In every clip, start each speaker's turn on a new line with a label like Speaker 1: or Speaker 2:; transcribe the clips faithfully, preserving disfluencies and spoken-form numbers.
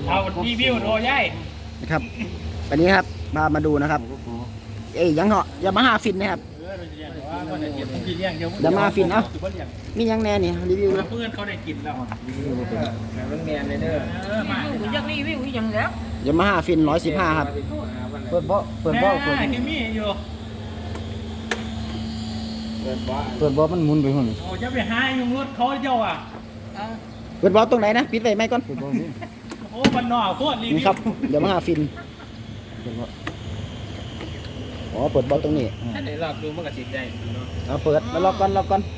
Speaker 1: เอารีวิวโดยย่าย
Speaker 2: นะครับวันนี้ครับมามาดูนะครับเอ้ยยังเหรอยามาฮ่าฟินนะครับยามาฮ่าฟินเอ้ามียังแน่นี่รีวิว
Speaker 1: เพื่อนเขาได้กินแล้ว
Speaker 3: มันแมนเลยเด้อ
Speaker 1: เออมา
Speaker 4: อยากรีวิวอย่างแล้ว
Speaker 2: ยามาฮ่าฟินร้อยสิบห้าครับ
Speaker 3: เปิดบ่เปิดบ่เปิด
Speaker 1: แม่แกมีอยู่
Speaker 3: เปิดบ่
Speaker 2: เปิดบอมันหมุนไปหุ่น
Speaker 1: โอ้จะไปหายุงรถเขาเจ้าอ่ะ
Speaker 2: เปิดบอตรงไหนนะปิดไว้ไหมก่อน
Speaker 1: โอ้บันนอกโคตรรีวิ
Speaker 2: นี่
Speaker 1: ว
Speaker 2: ครับยามาฮ่าฟินอ๋อเปิดบอตรงนี้
Speaker 3: ถ้าได้รอบดูมันก็สิได้เนาะ
Speaker 2: เอาเปิดแล้วล็อกก่อนล็อกก่อน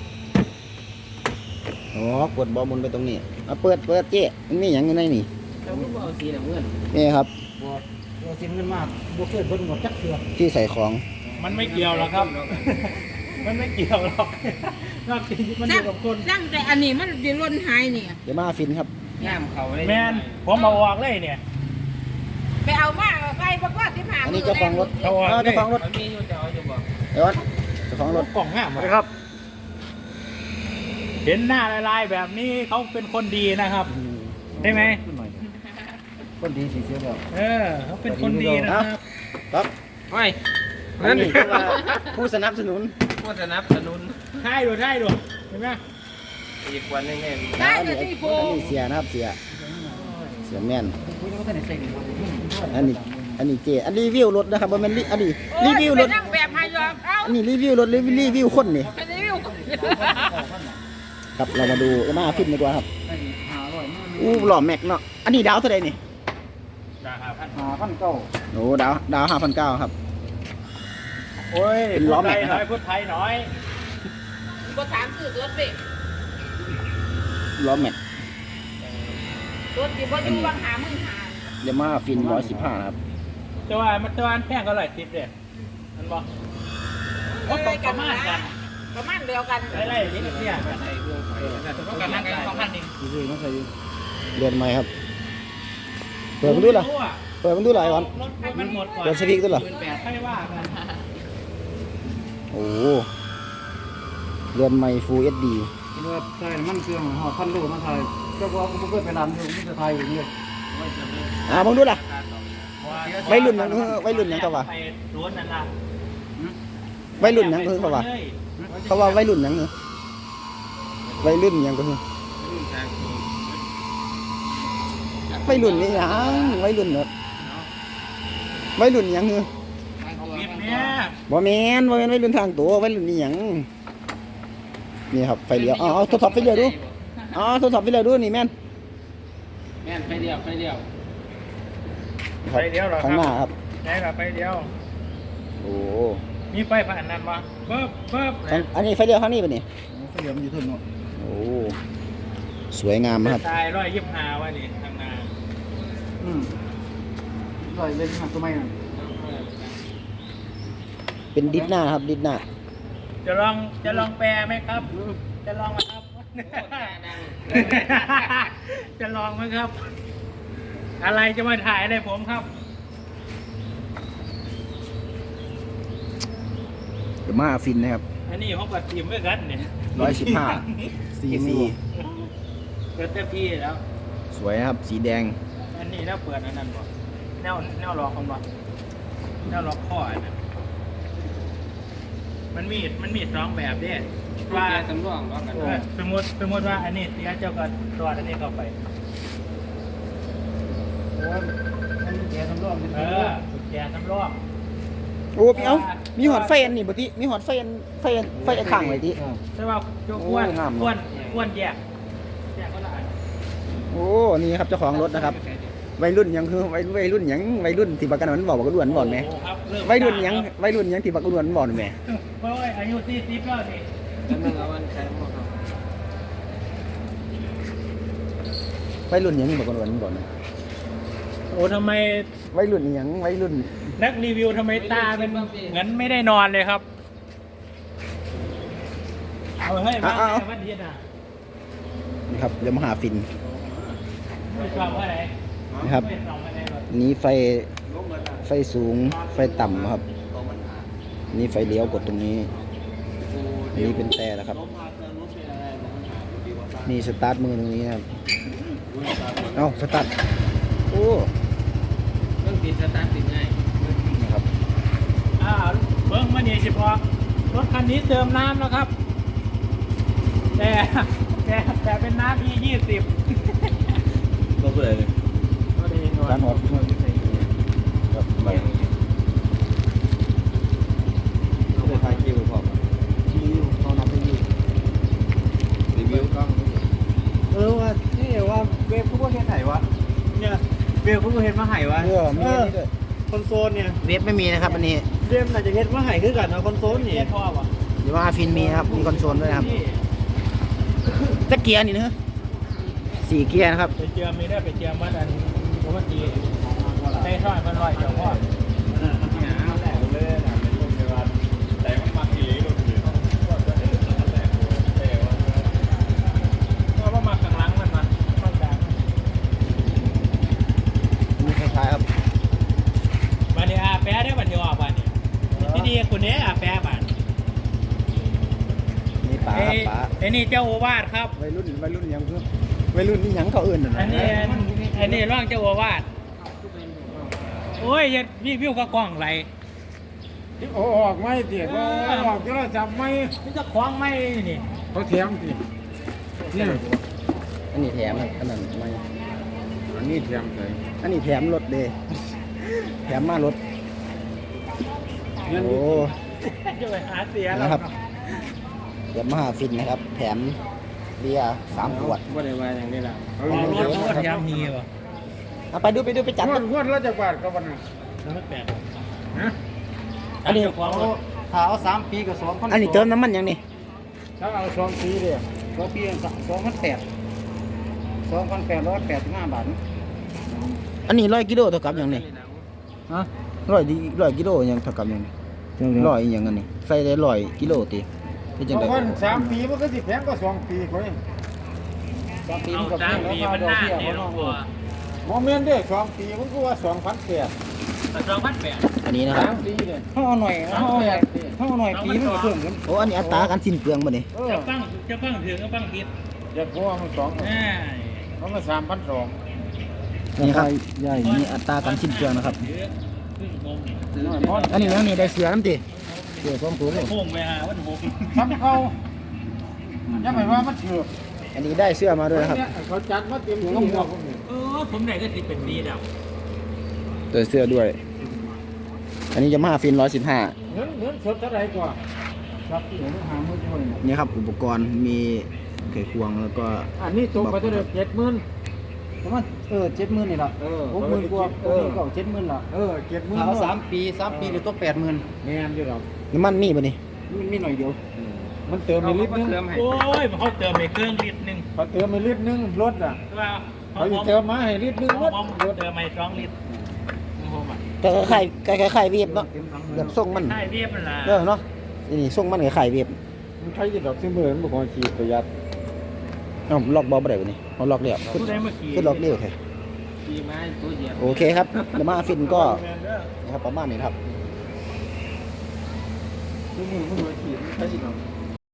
Speaker 2: อ๋อกดบอหมุนไปตรงนี้เอาเปิดเปิดเจ๊มันมีอย่างอยู่ในนี่
Speaker 3: แล้วก็เอาสีน้ำเงิน
Speaker 2: นี่ครับ
Speaker 3: บ่เอาสีน้ำเงินมาบ่เคยเบิ่งบ่จักเทื่อ
Speaker 2: ที่ใส่ของ
Speaker 1: มันไม่เกี่ยวหรอกครับ มันไม่เกี่ยวหรอกนอกจากมันอยู่กับคน
Speaker 4: สร้างแต่อันนี้มันจะล้นหายนี่
Speaker 2: ยามาฮ่าฟินครับ
Speaker 3: ย่ามเขาเลย
Speaker 1: แมนผมมาออกเลยเนี่ย
Speaker 4: ไปเอามาไปประกอบที่ผ่าน
Speaker 2: อันนี้เจ้าของรถ
Speaker 1: เอาออก
Speaker 2: เจ้าของรถ
Speaker 3: มันมีอยู่จะเอาอยู่บ่
Speaker 2: เดี๋ยวก่อนเจ้าของรถ
Speaker 1: กล่องห้ามครับ เห็นหน้าลายๆแบบนี้เขาเป็นคนดีนะครับได้ไหม
Speaker 3: คนดีสิเสียแล้ว
Speaker 1: เออเขาเป็นคนดีนะครับ
Speaker 2: ครับ
Speaker 3: ไว้
Speaker 2: อันนี้คือว่าผู้สนับสนุน
Speaker 3: ผู้สนับสนุน
Speaker 1: ใช่ดูใช่ดูเห็นไหม
Speaker 3: อีกวันนึงแม่
Speaker 4: ได้
Speaker 2: อัน
Speaker 4: เล
Speaker 2: นี้
Speaker 4: ยที่โฟ
Speaker 2: อันนี้เสียนะครับเสียเสียแม่น
Speaker 3: คุยก็ได้ใส่
Speaker 2: อันนี้อันนี้เจอันรีวิวรถนะครับบ่แม่นรีอันนี้รีวิวรถ
Speaker 4: นั่งแบบพายอมเอ้า
Speaker 2: อันนี้รีวิวรถรีวิวรีวิวคนนี่
Speaker 4: ไปรีวิว
Speaker 2: ครับเรามาดูหน้าฟิตดีกว่าครับอู้หล่อแม็กเนาะอันนี้ดาวเท่าไหร่นี่
Speaker 1: นะครับ
Speaker 3: หาพันเก้า
Speaker 2: โอ้ดาวดาวห้าพันเก้าครับ
Speaker 1: โอ้ย
Speaker 2: เป็นล้อแม็กนะครับ
Speaker 1: พูดไทยหน่อย
Speaker 4: ก็ถามสื่อรถไป
Speaker 2: ล้อแม็ก
Speaker 4: รถที่พ่ออยู่บางหามึงหา
Speaker 2: เดม่าฟินร้อยสิบห้าครับ
Speaker 1: แต่ว่ามันตัวอันแพงก็ร้อยสิบเลยมันบอกก็ตกประมาณกัน
Speaker 4: ประมาณเดียวกัน
Speaker 1: ไล่ๆนี่เนี่ยแต่ต้องการนั่งกันสองพันเอง
Speaker 3: ดีๆมันใส่
Speaker 2: เรือนใหม่ครับเปิดมันดูเหรอเปิดมันดูหลายวัน
Speaker 1: รถมันหมดก่อน
Speaker 2: เปิดสปีกด้วยเหรอ
Speaker 1: แปดให้ว่ากัน
Speaker 2: โอ้เรือนใหม่ Full เอช ดี
Speaker 3: เมื่อใส่มันเครื่องหอพันโลมาไทยเจ้าว่ากูเคยไปร้านอยู่ที่ไทยอย่างนี้
Speaker 2: อ่ามึงดูล่ะ วัยรุ่นยังวัยรุ่นยังเขาว่า
Speaker 1: ไปรถนั่นล่ะ
Speaker 2: วัยรุ่นหยังคือเขาว่าเขาว่าวัยรุ่นหยังคือวัยรุ่นหยังก็คือวัยรุ่นนี่หยังวัยรุ่นแบบวัยรุ่นหยังคือ
Speaker 1: ปิดเนี่ย
Speaker 2: บ่แม่นบ่แม่นวัยรุ่นทางตัววัยรุ่นนี่หยังนี่ครับไฟเลี้ยวอ๋อเอาทดสอบไฟเลี้ยวดูอ๋อทดสอบไฟเลี้ยวดูนี่แม่น
Speaker 3: แม่นไฟเดียวไฟเดียว
Speaker 1: ไปเดียวเหรอค
Speaker 2: ข้างห
Speaker 1: รั
Speaker 2: น้า
Speaker 1: บ
Speaker 2: ครับ
Speaker 1: ได้ละไปเดียว
Speaker 2: โอ้
Speaker 1: มีไฟผ่านนั้นปะเบิบเบิบ
Speaker 2: ข้างอันนี้ไฟเลี้ยวข้างนี้ป่ะนี่
Speaker 3: ไฟเดียวมันอยู่ทุ่นเนาะ
Speaker 2: โอ้สวยงามครับ
Speaker 1: ตายร้อยยี่สิบห้าวะนี่ทางนา
Speaker 3: อืมลอยเล่นหักตัวใหม่น่ะ
Speaker 2: เป็นดิสหน้าครับดิสหน้า
Speaker 1: จะลองจะลองแปลไหมครับ จะลองไหมครับ จะลองไหมครับ อะไรจะมาถ่ายอะไรผมครับ
Speaker 2: เดี๋ยวมาฟินนะครับ
Speaker 1: อันนี้เขาก็ทีมด้วยกันเนี่ย
Speaker 2: ร้อยสิบห้าซีซี
Speaker 1: เปิดเต็มที่แล้ว
Speaker 2: สวยนะครับ สีแดง
Speaker 1: อันนี้แล้วเปิดอันนั้นบ่แนวแนวล็อกของบ่แนวล็อกข้ออันนั้นมันมีมันมีสองแบบเด้
Speaker 3: ว่า
Speaker 1: ว่า
Speaker 3: สำรองว่ากัน
Speaker 1: เออสมมติสมมติว่าอันนี้เสียเจ้าก็ตรวจอันนี้เข้าไป
Speaker 3: โอ้มันแกสำรอง
Speaker 1: เออกุญแจสำรอง
Speaker 2: โอ้พี่เอ้ามีหอดไฟอันนี่บ่ติมีหอดไฟอันไฟอันไฟอันข้างไว้ติ
Speaker 1: ใช่ป่าโจ้อ้วน
Speaker 2: โอ้งาม
Speaker 1: อ้วนอ้วนแยกแยกก็ละอัน
Speaker 2: โอ้นี่ครับเจ้าของรถนะครับวัยรุ่นหยังคือวัยวัยรุ่นหยังวัยรุ่นที่บักกันมันบอกบักกันวนบ่อนแหม
Speaker 1: โอ้ครับเริ่ม
Speaker 2: วัยรุ่นหยังวัยรุ่นหยังที่บักกันวนบ่อนแหม
Speaker 1: โอ้ยอายุสี่สิบแล้วนี่
Speaker 3: แล้วมันเอาวันใช้หมดครับ
Speaker 2: วัยรุ่นหยังบักกันวนบ่อนแหม
Speaker 1: โอ้ทำไม
Speaker 2: วัยรุ่นหยังวัยรุ่น
Speaker 1: นักรีวิวทำไมตาเป็นเหมือนไม่ได้นอนเลยครับเอาเฮ้ยมาวันนี้นะ
Speaker 2: นี่ครับยามาฮ่าฟิน
Speaker 1: ไม่ชอบอะไร
Speaker 2: นะครับ
Speaker 1: ไม่ส่องอะไรหรอก
Speaker 2: นี้ไฟไฟสูงไฟต่ำครับ นี่ไฟเลี้ยวกดตรงนี้อันนี้เป็นแต่นะครับ นี่สตาร์ทมือตรงนี้นะครับ เอ้าสตาร์ทโอ้
Speaker 3: เรื่องติดสตาร์ทติดง่าย
Speaker 2: นะครับ
Speaker 1: อ่าเบิ้งมาเนี่ยเฉพาะรถคันนี้เติมน้ำแล้วครับ แต่แต่แต่เป็นน้ำ อี ยี่สิบ
Speaker 3: ก็เบื่อเลย
Speaker 1: ก็ดีหน่อย
Speaker 2: การหดครับไป
Speaker 3: เขาไปถ่ายคิวพอ
Speaker 2: รีวิวเขานับรีวิว
Speaker 3: รีวิวกล้องเออว่านี่ว่าเวฟผู้เห็นไหนวะเนี่ยเวฟผู้เห็นมาไหวะ
Speaker 2: เออมีอันนี้ด้วย
Speaker 3: คอนโซลเนี่ย
Speaker 2: เว็บไม่มีนะครับอันนี้
Speaker 3: เวฟน่าจะเห็นมาไหคือกันนะคอนโซลนี่
Speaker 1: เรียกพ่อวะ
Speaker 2: หรือว่าฟินมีนะครับมีคอนโซลด้วยนะครับจะเกียร์นี่นะสี่เกียร์นะครับ
Speaker 1: ไปเจียมมีได้ไปเจียมวัดอันปกติในซอยมันลอยเจ้าพ่อก็ว่ามาข้างหลังมันมันข้างกลาง
Speaker 2: มีคล้ายๆครับ
Speaker 1: บันนี้อาแปะได้บันนี้ออกบันนี้ที่ดีคนนี้อาแปะบัน
Speaker 2: นี่ป๋าครับป๋า
Speaker 1: ไอ้นี่เจ้าโอวาทครับ
Speaker 2: วัยรุ่นวัยรุ่นยังเพิ่มวัยรุ่นนี่ยังเขาอื่น
Speaker 1: อันนี้อันนี้ร่างเจ้าโอวาทโอ้ยเฮ็ดวิววิวก็กล้องไหล
Speaker 3: โอ้ออกไม่เตี๋ยก็ออกที่เราจับไม่
Speaker 1: นี่จะคล้องไม่นี่
Speaker 3: เขาเทียมสิเนี่ย
Speaker 2: อันนี้แถมครับอันนั้นไม่
Speaker 3: อันนี้เทียมเลย
Speaker 2: อันนี้แถมรถเดแถมมารถ
Speaker 3: เงิน
Speaker 2: โอ้
Speaker 1: จะไปหาเสียแล้ว
Speaker 2: นะครับเดี๋ยวมาหาฟินนะครับ แถมเบียร์สามขวด
Speaker 3: ว่าได้ว่าอย่างนี้ละ
Speaker 1: ขอรถเขาก็พยายามมีวะ
Speaker 2: เอาไปดูไปดูไปจัด
Speaker 3: งว
Speaker 2: กั
Speaker 3: ด
Speaker 2: น
Speaker 3: งวดละจากบาทก็วันน่ะ
Speaker 1: แล้วไม่แปลก
Speaker 3: ฮะ
Speaker 1: อันนี้ของรถ
Speaker 3: ถ้าเอาสามปีกับสองพัน
Speaker 2: อันนี้เติมน้ำมันยังนี่
Speaker 3: ถ้าเอาสองปีเลยสองปีสองพันแปดสองพันแปดร้อยแปดสิบห้าบาท
Speaker 2: อันนี้ร้อยกิโลเท่ากับยังนี่
Speaker 3: ฮะ
Speaker 2: ร้อยดีร้อยกิโลยังเท่ากับยังนี่ร้อยอีหยังอันนี้ใส่ได้ร้อยกิโลตีเป็นจัง
Speaker 3: เพ
Speaker 2: ได
Speaker 3: ราะว่าสามปีมันก็สิแพงกว่าสองปีกว่าสามปี
Speaker 1: เอา
Speaker 3: มันก็แพ
Speaker 1: สาม
Speaker 3: ง
Speaker 1: ปี
Speaker 3: แล้ว
Speaker 1: มัน
Speaker 3: ดอก
Speaker 1: หน้า
Speaker 3: เบี้ย
Speaker 1: เนี่ย
Speaker 3: มัน
Speaker 1: หลว
Speaker 3: น้อง ย
Speaker 1: พ่อ
Speaker 3: โมเมนต์เด้สองปีมันก็ว่าสองพันแปด
Speaker 1: สองพันแปด
Speaker 2: อันนี้นะครับ
Speaker 3: สามปีเนี่ยเขาเอาหน่อยเขาเอาหน่อยเขาเอาหน่อยปีมันก็เพิ่มขึ้น
Speaker 2: โอ้อันนี้อัตราการสิ้นเปลืองบ่นี่
Speaker 3: เออ
Speaker 1: จะฟังจะฟังถึงก็ฟังผิด
Speaker 3: อยากว่ามันสอง
Speaker 1: อ่า
Speaker 3: มันมาสามพันสอง
Speaker 2: นี่ครับนี่อัตราการสิ้นเปลืองนะครับ
Speaker 1: เยอะขึ้นงง
Speaker 2: อันนี้ยังนี่ได้เสือน้ำตีเสือพร้อมตัวเลย
Speaker 1: พุ่งไปหาวันหก
Speaker 3: ทำเขายังไม่ว่ามันเถื่อน
Speaker 2: อันนี้ได้เสื้อมาด้วยนะครับ
Speaker 3: เขาจัดมาเต็มที่แล้ว
Speaker 1: เออผมได้ก็ติดเป็นดีแล้ว
Speaker 2: ได้เสื้อด้วย อันนี้จะมาฟินร้อยสิบห้า
Speaker 3: เงินเงินสดเท่าไหร่กว่าครับเดี๋ยวหามือช่วย
Speaker 2: นี่ครับอุปกรณ์มีไขควงแล้วก็
Speaker 3: อันนี้ตกไปเท่าไหร่เจ็ดหมื่นประมาณเออเจ็ดหมื่นนี่ละเออหกหมื่นกว่าเออเจ็ดหมื่นละเออเจ็ดหมื่นเอาสามปีสามปีหรือตัวแปดหมื่นแม่นอยู่หรอก
Speaker 2: น้ำมันมีป่ะนี่
Speaker 3: มันมีหน่อยเดียวมันเติมไปลิตรนึง
Speaker 1: โอ้ยเขาเติมไปเครื่องลิตรหนึ่ง
Speaker 3: เขาเติมไปลิตรนึงรถอ่ะ
Speaker 1: ว่า
Speaker 3: เขาจะเติมมาให้ลิตรนึงรถ
Speaker 1: รถเติมไปสองลิตร
Speaker 2: ก็ไข่ไข่ไข่เวียบเนาะแบบส่งมัน
Speaker 1: ใช่เรียบมันละ
Speaker 2: เออเนาะนี่ส่งมันกับไข่เวียบ
Speaker 3: มันใช้ยี่ดอกซิเบอร์มันบอกขีดประหยัด
Speaker 2: เอ้าล็อกบอลบ่ได้ป่ะนี่เอาล็อกเรียบ
Speaker 1: ผู้ใดเมื่อกี้
Speaker 2: ขึ้นล็อกเรียบโอเค
Speaker 1: ขี่ไม้ตัวเหยียบ
Speaker 2: โอเคครับเดี๋ยวมาฟินก็นะครับประมาณนี้ครับ
Speaker 3: ซิเบอร์มันบอกขีดมันใช้ยี่ดอก